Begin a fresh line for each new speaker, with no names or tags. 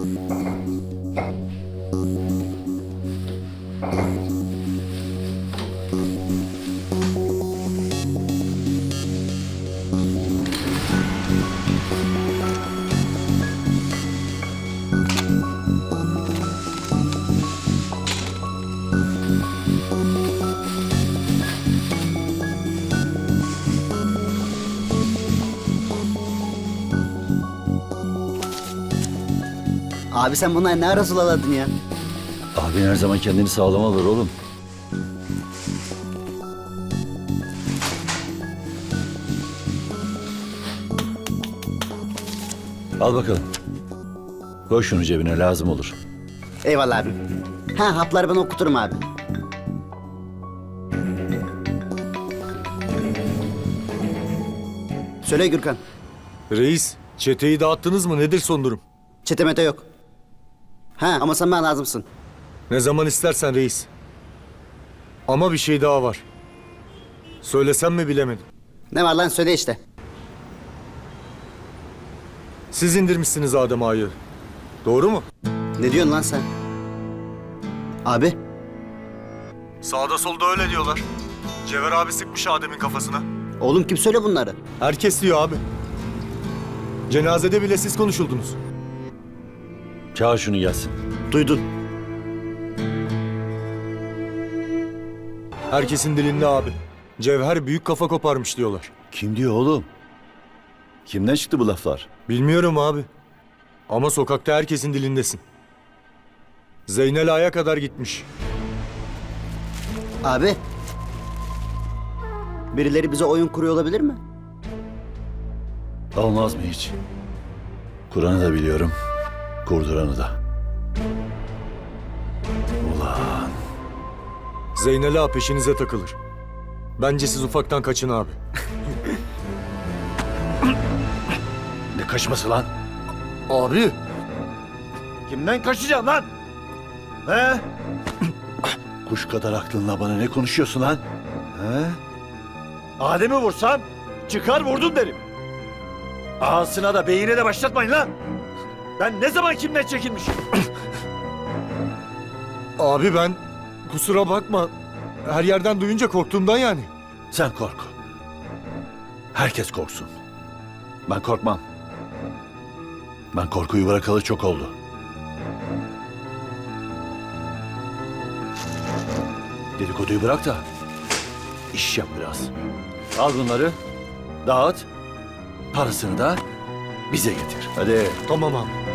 Abi sen bunları ne ara sulaladın ya?
Abin her zaman kendini sağlam alır oğlum. Al bakalım. Koy şunu cebine, lazım olur.
Eyvallah abi. Ha, hapları ben okuturum abi. Söyle Gürkan.
Reis, çeteyi dağıttınız mı? Nedir son durum?
Çetemete yok. Ha, ama sen bana lazımsın.
Ne zaman istersen reis. Ama bir şey daha var. Söylesem mi bilemedim.
Ne var lan, söyle işte.
Siz indirmişsiniz Adem Ağa'yı. Doğru mu?
Ne diyorsun lan sen? Abi.
Sağda solda öyle diyorlar. Cevher abi sıkmış Adem'in kafasına.
Oğlum kim söyle bunları?
Herkes diyor abi. Cenazede bile siz konuşuldunuz.
Çağır şunu gelsin.
Duydun.
Herkesin dilinde abi. Cevher büyük kafa koparmış diyorlar.
Kim diyor oğlum? Kimden çıktı bu laflar?
Bilmiyorum abi. Ama sokakta herkesin dilindesin. Zeynel Ağa'ya kadar gitmiş.
Abi. Birileri bize oyun kuruyor olabilir mi?
Olmaz mı hiç? Kur'an'ı da biliyorum, kurduranı da. Ulan.
Zeynel Ağa peşinize takılır. Bence siz ufaktan kaçın abi.
Ne kaçması lan?
Abi!
Kimden kaçacaksın lan? He? Kuş kadar aklınla bana ne konuşuyorsun lan? He? Adem'i vursam çıkar vurdun derim. Ağasına da beyine de başlatmayın lan. Ben ne zaman kimden çekilmişim?
Abi ben kusura bakma. Her yerden duyunca korktuğumdan yani.
Sen kork. Herkes korksun. Ben korkmam. Ben korkuyu bırakalı çok oldu. Dedikoduyu bırak da iş yap biraz. Al bunları, dağıt, parasını da bize getir. Hadi.
Tamam abi.